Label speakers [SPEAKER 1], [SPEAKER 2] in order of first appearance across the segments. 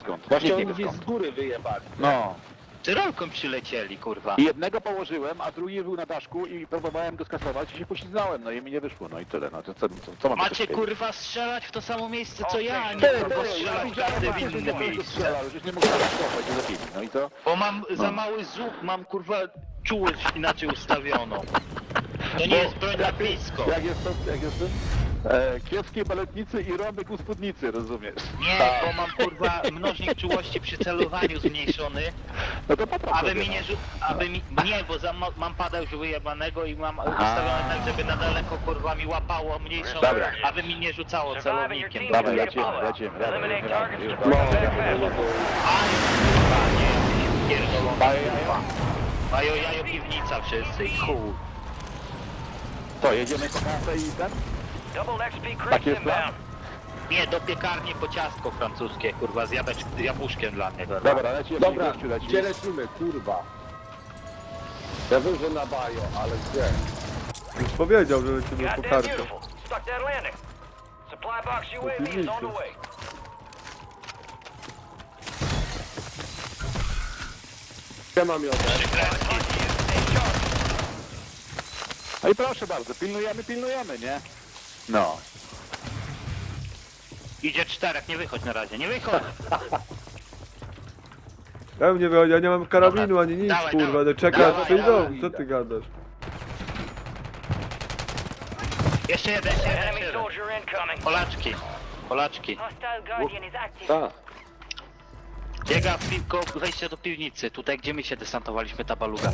[SPEAKER 1] skąd?
[SPEAKER 2] Właśnie
[SPEAKER 1] Nie
[SPEAKER 2] oni
[SPEAKER 1] wiem
[SPEAKER 2] gdzieś
[SPEAKER 1] skąd.
[SPEAKER 2] z góry wyjebali.
[SPEAKER 1] No.
[SPEAKER 3] Tyrolką przylecieli, kurwa.
[SPEAKER 1] I jednego położyłem, a drugi był na daszku i próbowałem go skasować i się poślizgnąłem, no i mi nie wyszło, no i tyle, no to co mam
[SPEAKER 3] Macie
[SPEAKER 1] jeszcze
[SPEAKER 3] kurwa strzelać w to samo miejsce co ja, a nie
[SPEAKER 1] Ty,
[SPEAKER 3] kurwa
[SPEAKER 1] ja
[SPEAKER 3] strzelać
[SPEAKER 1] widziałem,
[SPEAKER 3] każdy w
[SPEAKER 1] że
[SPEAKER 3] innym
[SPEAKER 1] po prostu
[SPEAKER 3] miejscu.
[SPEAKER 1] strzelał, już nie mogę skopać, nie zabili, no i co?
[SPEAKER 3] Bo mam za
[SPEAKER 1] No.
[SPEAKER 3] mały zuch, mam kurwa czułość inaczej ustawioną. To nie jest broń na blisko.
[SPEAKER 1] Jak jest to? Kiepskiej baletnicy i rąbek u spódnicy, rozumiesz?
[SPEAKER 3] Nie, bo mam kurwa mnożnik czułości przy celowaniu zmniejszony,
[SPEAKER 1] No to popraw
[SPEAKER 3] aby
[SPEAKER 1] sobie,
[SPEAKER 3] mi nie
[SPEAKER 1] no.
[SPEAKER 3] nie, bo mam pada już wyjebanego i mam ustawione tak, żeby na daleko kurwa mi łapało mniejszą,
[SPEAKER 1] Dobra.
[SPEAKER 3] aby mi nie rzucało celownikiem.
[SPEAKER 1] Dawaj, lecimy.
[SPEAKER 2] No, no,
[SPEAKER 3] A kurwa, nie, pierdolona
[SPEAKER 1] Bajo,
[SPEAKER 3] kurwa. Bajo, jajo, piwnica wszyscy i chuj.
[SPEAKER 1] To, jedziemy po kasę i ten? Tak jest plan?
[SPEAKER 3] Nie, do piekarni po ciastko francuskie, kurwa, z jabłuszkiem dla mnie. Kurwa.
[SPEAKER 1] Dobra, lecimy,
[SPEAKER 2] Dobra,
[SPEAKER 1] gościu leci.
[SPEAKER 2] gdzie lecimy, kurwa? Ja wiem, że na bajo, ale gdzie?
[SPEAKER 4] Już powiedział, że lecimy po kartę.
[SPEAKER 2] Gdzie mam ją?
[SPEAKER 1] No i proszę bardzo, pilnujemy, nie? No.
[SPEAKER 3] Idzie czterech, nie wychodź na razie, nie wychodź!
[SPEAKER 4] Ja nie wychodzi, ja nie mam karabinu ani nic,
[SPEAKER 3] Dawaj,
[SPEAKER 4] kurwa,
[SPEAKER 3] dawaj.
[SPEAKER 4] ale czekasz,
[SPEAKER 3] Dawaj,
[SPEAKER 4] przyjdą,
[SPEAKER 2] dawaj.
[SPEAKER 4] co ty gadasz?
[SPEAKER 3] Jeszcze jeden. Polaczki.
[SPEAKER 2] Tak.
[SPEAKER 3] Biega piłko, wejście do piwnicy, tutaj gdzie my się desantowaliśmy, ta baluga.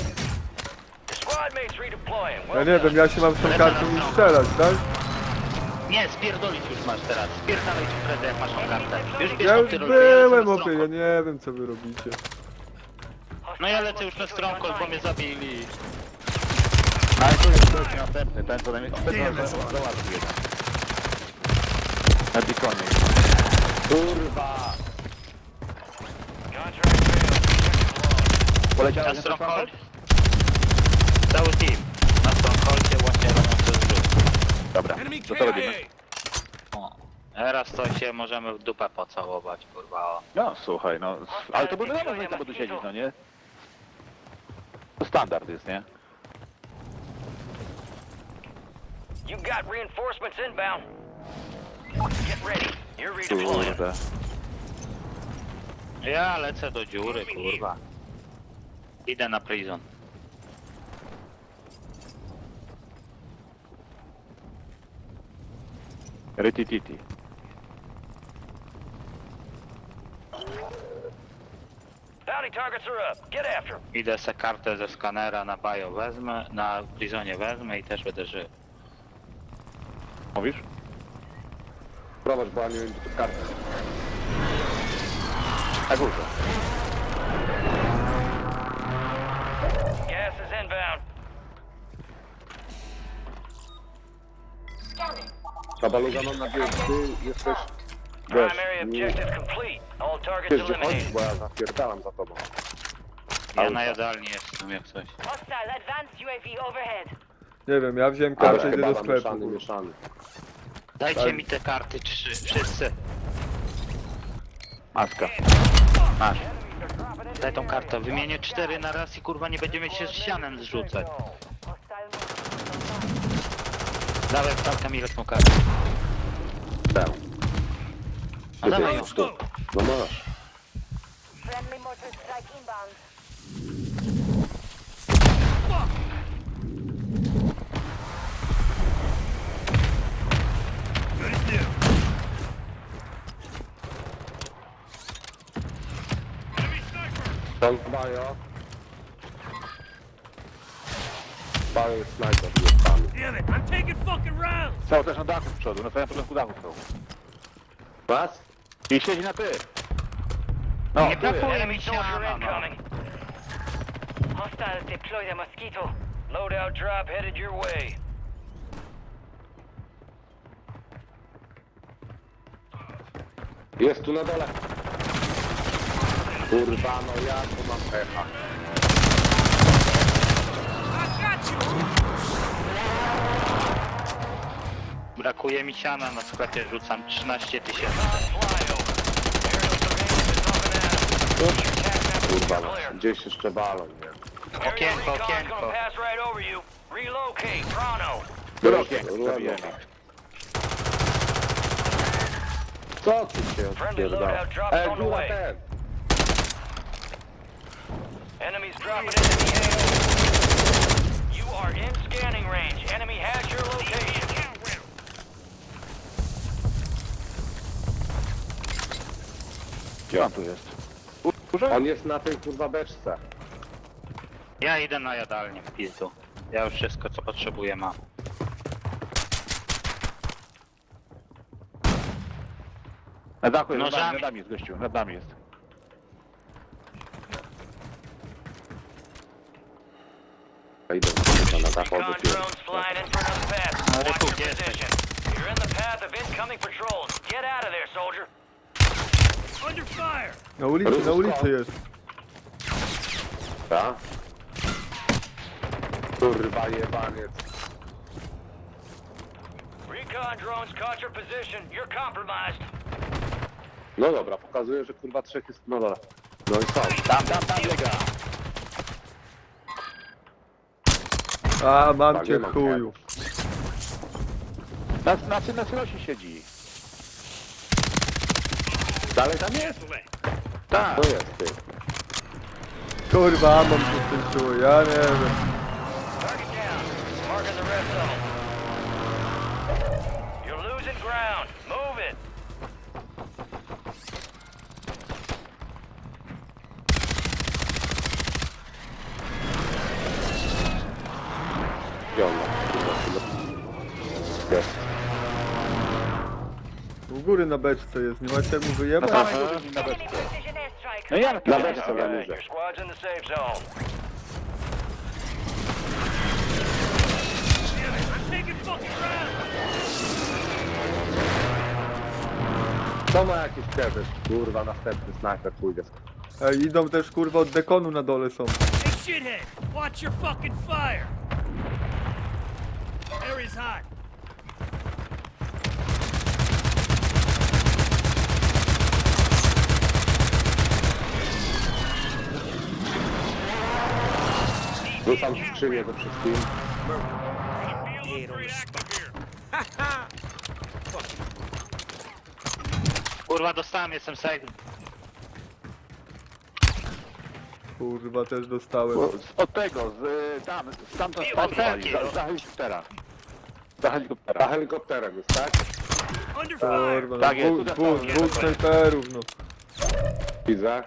[SPEAKER 4] Ja nie wiem, ja się mam z tą kartą już strzelać, tak?
[SPEAKER 3] Nie, spierdolić już masz teraz, spierdalaj ci Fredę, jak masz tą kartę. Już bierz
[SPEAKER 4] Ja
[SPEAKER 3] tą
[SPEAKER 4] już
[SPEAKER 3] tyrolkę, ja lecę
[SPEAKER 4] byłem,
[SPEAKER 3] na
[SPEAKER 4] opie, ja
[SPEAKER 3] stronę.
[SPEAKER 4] nie wiem co wy robicie.
[SPEAKER 3] No ja lecę już na stronkę, bo mnie zabili.
[SPEAKER 1] Ale tu jest gość następny, ten co najmniej... Załatwił jeden. Na dikonie.
[SPEAKER 2] Kurwa.
[SPEAKER 1] Poleciałeś
[SPEAKER 3] Na
[SPEAKER 1] na
[SPEAKER 3] stronghold. Cały team. Na strongholdzie właśnie robią coś zrzut.
[SPEAKER 1] Dobra, to co robimy?
[SPEAKER 3] O. Teraz to się możemy w dupę pocałować, kurwa. O.
[SPEAKER 1] No słuchaj, no... Ale to by wiadomo, że nie trzeba tu siedzieć, no nie? To standard jest, nie?
[SPEAKER 5] You got reinforcements inbound. Get ready. You're redeploying.
[SPEAKER 1] Kurde.
[SPEAKER 3] Ja lecę do dziury, kurwa. Idę na prison.
[SPEAKER 1] Rytititi.
[SPEAKER 5] Bounty targets are up. Get after 'em.
[SPEAKER 3] Idę se kartę ze skanera na bio wezmę, na prisonie wezmę i też będę żył.
[SPEAKER 1] Mówisz?
[SPEAKER 2] Prowadź, bo ja nie wiem, gdzie to karta.
[SPEAKER 1] Na górze.
[SPEAKER 5] Gas is inbound.
[SPEAKER 2] Ta baluga mam nadzieję, że ty jesteś... Wiesz,
[SPEAKER 5] Primary
[SPEAKER 2] nie
[SPEAKER 5] objective complete. All targets
[SPEAKER 2] wiesz, gdzie chodzisz,
[SPEAKER 5] eliminated.
[SPEAKER 2] bo ja zapierdalam za tobą.
[SPEAKER 3] Ja na jadalni jestem jak coś.
[SPEAKER 6] Hostile advanced UAV overhead.
[SPEAKER 4] Nie wiem, ja wziąłem
[SPEAKER 2] Ale
[SPEAKER 4] kartę, idę do
[SPEAKER 2] chyba
[SPEAKER 4] sklepu.
[SPEAKER 2] mieszany,
[SPEAKER 4] kurwa.
[SPEAKER 2] mieszany.
[SPEAKER 3] Dajcie
[SPEAKER 4] Tak.
[SPEAKER 3] mi te karty trzy, wszyscy.
[SPEAKER 1] Maska. Masz.
[SPEAKER 3] Daj tą kartę, wymienię 4 na raz i kurwa nie będziemy się z sianem zrzucać.
[SPEAKER 6] Hostile
[SPEAKER 3] Dawaj wstawkę mi tą kartę.
[SPEAKER 1] Tę.
[SPEAKER 3] No dawaj ją.
[SPEAKER 2] No masz.
[SPEAKER 6] friendly mortar strike inbound.
[SPEAKER 2] Tam bajo. Bajo jest snajper, jest pan.
[SPEAKER 1] Cały też na dachu z przodu, na samym początku dachu są.
[SPEAKER 2] Was?
[SPEAKER 1] I siedzi na ty. No,
[SPEAKER 3] Nie
[SPEAKER 1] tu jest.
[SPEAKER 3] brakuje
[SPEAKER 5] Enemy
[SPEAKER 3] mi
[SPEAKER 5] soldier
[SPEAKER 3] siana, no.
[SPEAKER 5] incoming.
[SPEAKER 6] Hostiles deploy the mosquito.
[SPEAKER 5] Loadout drop headed your way.
[SPEAKER 2] Jest tu na dole. Kurwa, no ja tu mam pecha.
[SPEAKER 3] Brakuje mi siana na sklepie, rzucam 13 000.
[SPEAKER 5] Flyover. Aerial surveillance is
[SPEAKER 2] Kurwa, gdzieś jeszcze balon, nie?
[SPEAKER 5] Area
[SPEAKER 3] Okienko,
[SPEAKER 5] recon's
[SPEAKER 3] okienko.
[SPEAKER 5] gonna pass right over you. Relocate, pronto.
[SPEAKER 1] Drogie,
[SPEAKER 2] Dobra.
[SPEAKER 1] zabijemy.
[SPEAKER 2] Co tu się
[SPEAKER 5] Friendly
[SPEAKER 2] odpierdala?
[SPEAKER 5] loadout drops on the
[SPEAKER 2] góra
[SPEAKER 5] way.
[SPEAKER 2] ten!
[SPEAKER 5] Enemies dropping into the AO. You are in scanning range. Enemy has your location.
[SPEAKER 1] Gdzie on tu jest? Kurze?
[SPEAKER 2] On jest na tej kurwa beczce.
[SPEAKER 3] Ja idę na jadalnię w pizdu. Ja już wszystko co potrzebuję mam.
[SPEAKER 1] Na dachu jest,
[SPEAKER 3] Nożami.
[SPEAKER 1] nad nami jest gościu, nad nami jest.
[SPEAKER 2] Idę kurwa na dachu
[SPEAKER 5] Recon
[SPEAKER 2] do tyłu.
[SPEAKER 5] drones flying in for another pass.
[SPEAKER 3] Ale
[SPEAKER 5] Watch
[SPEAKER 3] tu,
[SPEAKER 5] your
[SPEAKER 3] gdzie jesteś?
[SPEAKER 5] position. You're in the path of incoming patrols. Get out of there, soldier. Under fire.
[SPEAKER 4] Na ulicy jest.
[SPEAKER 2] Ta? Kurwa jebaniec.
[SPEAKER 5] Recon drones caught your position. You're compromised.
[SPEAKER 2] No dobra, pokazuje, że kurwa trzech jest... No dobra. No i są.
[SPEAKER 1] Tam biega.
[SPEAKER 4] A, mam
[SPEAKER 2] Tak,
[SPEAKER 4] cię
[SPEAKER 2] nie mam
[SPEAKER 4] chuju.
[SPEAKER 1] Na cylosie siedzi.
[SPEAKER 2] Dalej tam jest?
[SPEAKER 1] Tak.
[SPEAKER 2] To jest ty.
[SPEAKER 4] Kurwa, mam się skończyło, ja nie wiem.
[SPEAKER 5] Target down. Marking the red zone. You're losing ground. Move it.
[SPEAKER 2] Gdzie on ma? Kurwa, jest.
[SPEAKER 4] U góry na beczce jest, nie macie jak mu wyjebać?
[SPEAKER 1] Na samej górze na
[SPEAKER 6] Enemy
[SPEAKER 1] beczce.
[SPEAKER 6] precision airstrike.
[SPEAKER 1] No ja
[SPEAKER 2] Na
[SPEAKER 1] na
[SPEAKER 2] beczce na górze.
[SPEAKER 5] Your squad's in the safe zone.
[SPEAKER 2] To ma jakiś kewes. Kurwa, następny snajper pójdzie.
[SPEAKER 4] Ej, idą też kurwa od dekonu na dole są.
[SPEAKER 7] Hey, shithead! Watch your fucking fire! Area's hot.
[SPEAKER 2] Rzucam skrzynię ze wszystkim.
[SPEAKER 3] Kurwa dostałem, jestem safe.
[SPEAKER 4] Kurwa, też dostałem.
[SPEAKER 1] Od tego, stamtąd
[SPEAKER 3] Odpalki.
[SPEAKER 1] za helikoptera. Za helikoptera.
[SPEAKER 2] Na helikopterem jest, tak?
[SPEAKER 7] Under fire!
[SPEAKER 4] Kurwa, no,
[SPEAKER 1] Tak jest,
[SPEAKER 4] dwóch snajperów, no.
[SPEAKER 2] Widzę.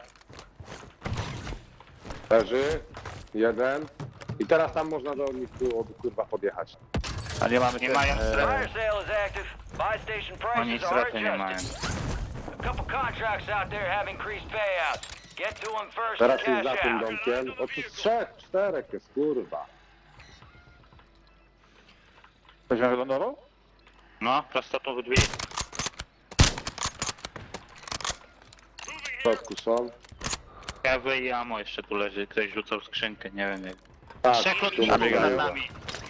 [SPEAKER 2] Leży. Jeden. I teraz tam można do nich tu kurwa podjechać.
[SPEAKER 1] A nie mamy
[SPEAKER 3] Nie mają
[SPEAKER 5] Fire
[SPEAKER 3] strefy.
[SPEAKER 5] sale is active. Buy station
[SPEAKER 3] Oni
[SPEAKER 5] prices are
[SPEAKER 3] strefy nie mają.
[SPEAKER 5] adjusted. A couple contracts out there have increased payouts. Get to them first
[SPEAKER 2] Teraz
[SPEAKER 5] and
[SPEAKER 2] jest za
[SPEAKER 5] cash
[SPEAKER 2] tym
[SPEAKER 5] out.
[SPEAKER 2] domkiem. O tu trzech, czterech jest, kurwa.
[SPEAKER 1] Ktoś nam wylądował?
[SPEAKER 3] No, prosto tu w drzwi.
[SPEAKER 2] W środku są.
[SPEAKER 3] Kawy i amo jeszcze tu leży. Ktoś rzucał skrzynkę, nie wiem jak.
[SPEAKER 2] Tak,
[SPEAKER 3] Trzech
[SPEAKER 2] tu
[SPEAKER 3] lotników nad
[SPEAKER 2] nabiegają.
[SPEAKER 3] nami.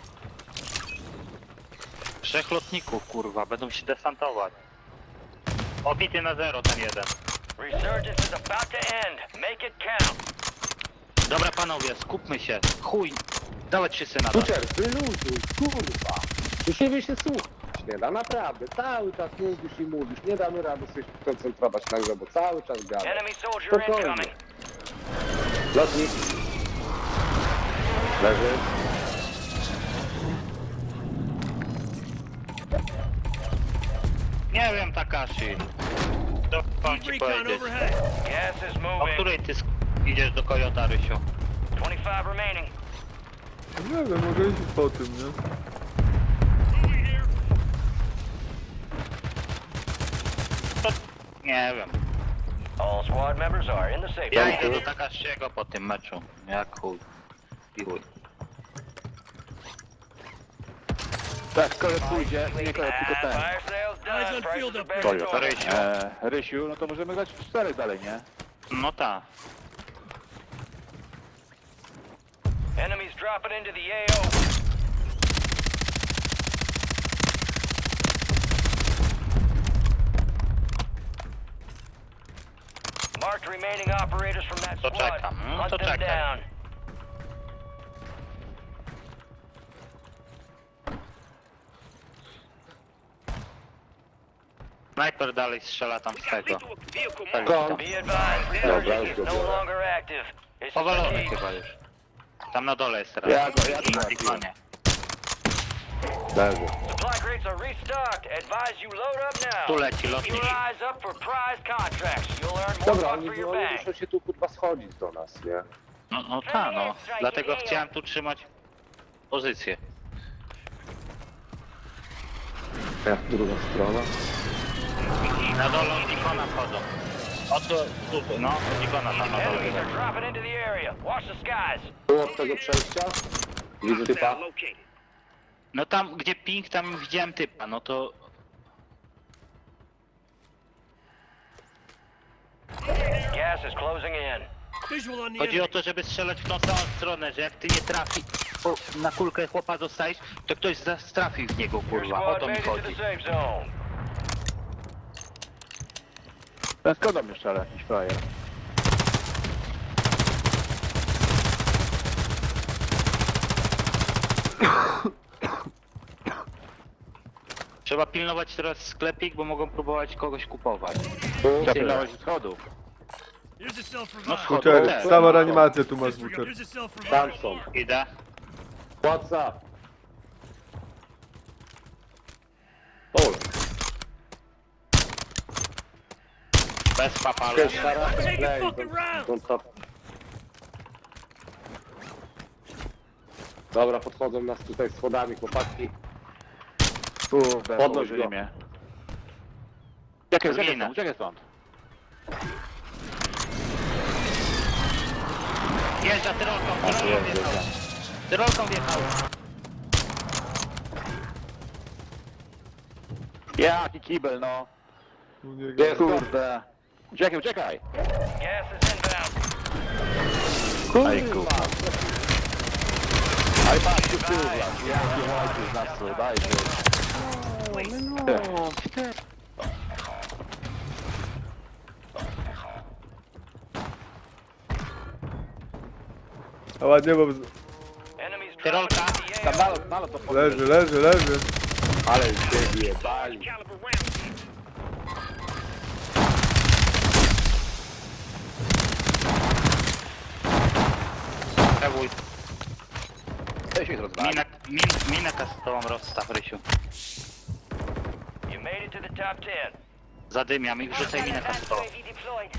[SPEAKER 3] Trzech lotników, kurwa, będą się desantować. Obity na zero ten jeden.
[SPEAKER 5] Resurgence is about to end. Make it count.
[SPEAKER 3] Dobra panowie, skupmy się. Chuj, dawać się syna. da.
[SPEAKER 2] Kucier, wyluzuj, kurwa. Tu siebie się słuchać nie da, naprawdę. Cały czas mówisz, nie damy rady sobie koncentrować na grze, bo cały czas gada.
[SPEAKER 5] Enemy soldier
[SPEAKER 2] Spokojnie.
[SPEAKER 5] incoming.
[SPEAKER 2] Lotnik. Leży.
[SPEAKER 3] Nie wiem, Takashi. To mam ci
[SPEAKER 7] Recon
[SPEAKER 3] powiedzieć.
[SPEAKER 7] overhead.
[SPEAKER 5] Gas is
[SPEAKER 3] O
[SPEAKER 5] moving.
[SPEAKER 3] której ty idziesz do Kojota, Rysiu?
[SPEAKER 5] 25 remaining.
[SPEAKER 4] Nie wiem, mogę iść po tym, nie?
[SPEAKER 3] Nie wiem.
[SPEAKER 5] All squad members are in the safe
[SPEAKER 3] Ja
[SPEAKER 5] zone.
[SPEAKER 3] idę do Takashiego po tym meczu. Jak chuj. I chuj.
[SPEAKER 1] Tak, kolet pójdzie, nie kolet, tylko ten.
[SPEAKER 5] Fire sale's
[SPEAKER 7] Eyes
[SPEAKER 5] done.
[SPEAKER 7] on
[SPEAKER 5] Prices
[SPEAKER 7] field
[SPEAKER 5] are
[SPEAKER 7] up
[SPEAKER 5] back
[SPEAKER 7] there.
[SPEAKER 5] to
[SPEAKER 1] Toyo.
[SPEAKER 5] normal.
[SPEAKER 3] Rysiu.
[SPEAKER 1] Rysiu, no to możemy grać w 4 dalej, nie?
[SPEAKER 3] No ta.
[SPEAKER 5] Enemies dropping into the AO. Marked remaining operators from that
[SPEAKER 3] To
[SPEAKER 5] squad.
[SPEAKER 3] czekam, no
[SPEAKER 5] Hunt
[SPEAKER 3] to
[SPEAKER 5] them
[SPEAKER 3] czekaj.
[SPEAKER 5] down.
[SPEAKER 3] Snajper dalej strzela tam z tego.
[SPEAKER 2] Skąd?
[SPEAKER 5] Be advised,
[SPEAKER 2] Dobra,
[SPEAKER 5] energy
[SPEAKER 2] już
[SPEAKER 5] is
[SPEAKER 2] go
[SPEAKER 5] no
[SPEAKER 2] biorę.
[SPEAKER 5] longer active. This is
[SPEAKER 3] Powalony
[SPEAKER 5] the key.
[SPEAKER 3] chyba już. Tam na dole jest teraz.
[SPEAKER 1] Ja go
[SPEAKER 3] Na dikonie.
[SPEAKER 2] Leży.
[SPEAKER 5] Supply crates are restocked. Advise you load up now.
[SPEAKER 3] Tu leci
[SPEAKER 5] Keep
[SPEAKER 3] lotnik.
[SPEAKER 5] your eyes up for prize contracts. You'll earn more
[SPEAKER 2] Dobra,
[SPEAKER 5] buck
[SPEAKER 2] oni
[SPEAKER 5] for your
[SPEAKER 2] oni
[SPEAKER 5] bang.
[SPEAKER 2] muszą się tu kurwa schodzić do nas, nie?
[SPEAKER 3] No ta no. Dlatego chciałem tu trzymać pozycję.
[SPEAKER 2] Jak druga strona.
[SPEAKER 3] Na dole od Nikona wchodzą. Oto tutaj, no, od Nikona tam na dole.
[SPEAKER 5] Enemies are dropping into the area. Watch the skies.
[SPEAKER 2] Tu od tego przejścia? Widzę typa.
[SPEAKER 3] No tam, gdzie ping, tam widziałem typa, no to...
[SPEAKER 5] Gas is closing in.
[SPEAKER 7] Visual on the
[SPEAKER 3] Chodzi o
[SPEAKER 7] enemy.
[SPEAKER 3] to, żeby strzelać w tą samą stronę, że jak ty nie trafi, na kulkę chłopa dostajesz, to ktoś trafi w niego,
[SPEAKER 5] Your
[SPEAKER 3] kurwa, o
[SPEAKER 5] squad
[SPEAKER 3] to mi
[SPEAKER 5] made it to the
[SPEAKER 3] chodzi.
[SPEAKER 5] safe zone.
[SPEAKER 1] Ten Skoda mnie strzela, jakiś frajer.
[SPEAKER 3] Trzeba pilnować teraz sklepik, bo mogą próbować kogoś kupować.
[SPEAKER 1] Trzeba pilnować schodów.
[SPEAKER 7] Here's a self
[SPEAKER 3] No
[SPEAKER 7] revive.
[SPEAKER 3] schodów
[SPEAKER 4] Buczer,
[SPEAKER 3] też.
[SPEAKER 4] sama reanimacja tu masz,
[SPEAKER 7] Disregard.
[SPEAKER 4] Buczer.
[SPEAKER 7] Here's a self
[SPEAKER 2] Tam
[SPEAKER 7] revive.
[SPEAKER 2] są.
[SPEAKER 3] Idę.
[SPEAKER 2] WhatsApp. Pol.
[SPEAKER 3] Bez papala.
[SPEAKER 2] Cześć, Sara.
[SPEAKER 7] Take a
[SPEAKER 2] Play.
[SPEAKER 7] fucking round.
[SPEAKER 2] Don't stop. Dobra, podchodzą nas tutaj schodami, chłopaki.
[SPEAKER 1] Kurde,
[SPEAKER 2] Podnoś
[SPEAKER 1] położyli
[SPEAKER 2] go.
[SPEAKER 1] mnie. Uciekaj
[SPEAKER 3] Zginę.
[SPEAKER 1] stąd, uciekaj stąd.
[SPEAKER 3] Jeżdża tyrolką wjechał. Tyrolką wjechał.
[SPEAKER 1] Jaki kibel, no.
[SPEAKER 4] U niego.
[SPEAKER 2] Gdzie jest to?
[SPEAKER 1] Kurde. Uciekaj, uciekaj.
[SPEAKER 5] Gas is inbound.
[SPEAKER 1] Aj, kurwa. Aj, patrz, tu tył, jaki ojciec nas tu, daj,
[SPEAKER 4] A ładnie, bo
[SPEAKER 5] Enemies
[SPEAKER 3] Tyrolka.
[SPEAKER 5] dropping into the
[SPEAKER 1] Tam
[SPEAKER 5] AO.
[SPEAKER 1] nalot to
[SPEAKER 4] leży, leży, leży.
[SPEAKER 2] Ale się jebali.
[SPEAKER 3] Przewój.
[SPEAKER 1] Weź ich rozwali.
[SPEAKER 3] Minę kastową rozstaw, Rysiu.
[SPEAKER 5] You made it to the top 10.
[SPEAKER 3] Zadymiam i wrzucaj minę
[SPEAKER 6] Advanced
[SPEAKER 3] kastową.
[SPEAKER 6] UAV deployed.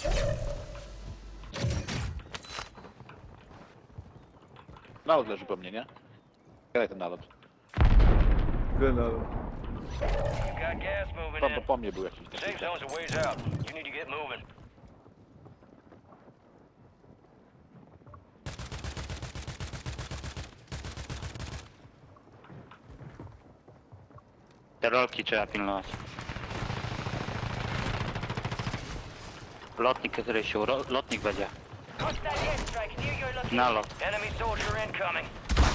[SPEAKER 1] Nalot leży po mnie, nie? Graj ten nalot.
[SPEAKER 4] Gdzie na
[SPEAKER 5] You got gas moving
[SPEAKER 1] Po,
[SPEAKER 5] in.
[SPEAKER 1] po mnie był jakiś.
[SPEAKER 5] Safe zone's a ways out. You need to get moving.
[SPEAKER 3] Te rolki trzeba pilnować. Lotnik, Rysiu, lotnik będzie.
[SPEAKER 6] Hostile airstrike near your location.
[SPEAKER 3] Nalot.
[SPEAKER 5] Enemy soldier incoming.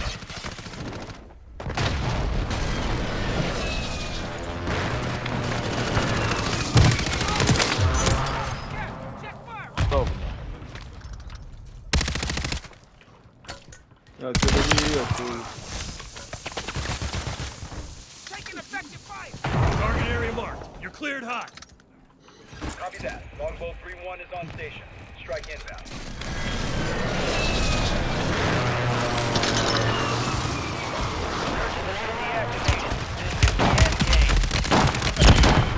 [SPEAKER 1] Cudownie.
[SPEAKER 4] Ja cię dobiję, kurwa.
[SPEAKER 7] Target area marked. You're cleared hot.
[SPEAKER 8] Copy that. Longbow 3-1 is on station. Strike inbound.
[SPEAKER 5] Search is initially activated. This is the end game.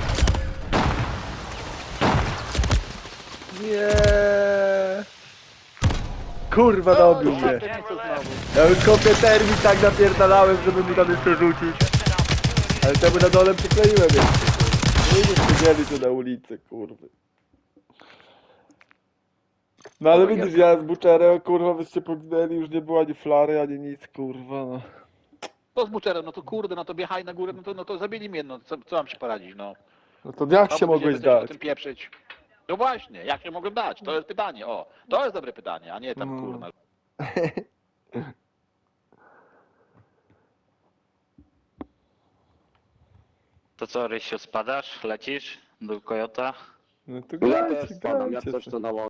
[SPEAKER 4] Nie. Kurwa, dobił mnie.
[SPEAKER 5] 10 were left.
[SPEAKER 4] Ja już kopię termin tak napierdalałem, żeby mu tam jeszcze rzucić.
[SPEAKER 5] Just an opportunity.
[SPEAKER 4] Ale temu na dole przykleiłem jeszcze. Nie siedzieli tu na ulicy, kurwa. No ale widzisz, ja z Buczerem, kurwa, wyście poginęli, już nie było ani flary, ani nic, kurwa, no.
[SPEAKER 1] To z buczerem, no to kurde, no to biechaj na górę, no to zabili mnie, no co mam się poradzić, no.
[SPEAKER 4] No to jak
[SPEAKER 1] No,
[SPEAKER 4] się mogłeś
[SPEAKER 1] będziemy coś o
[SPEAKER 4] dać?
[SPEAKER 1] tym pieprzyć. No właśnie, jak się mogłem dać? To jest pytanie, o. To jest dobre pytanie, a nie tam
[SPEAKER 4] Mm.
[SPEAKER 1] kurwa.
[SPEAKER 3] To co, Rysiu, spadasz? Lecisz do Kojota?
[SPEAKER 4] No to
[SPEAKER 2] Ja
[SPEAKER 4] grajcie,
[SPEAKER 2] też spadam, ja
[SPEAKER 4] grajcie
[SPEAKER 2] coś
[SPEAKER 4] se.
[SPEAKER 2] to na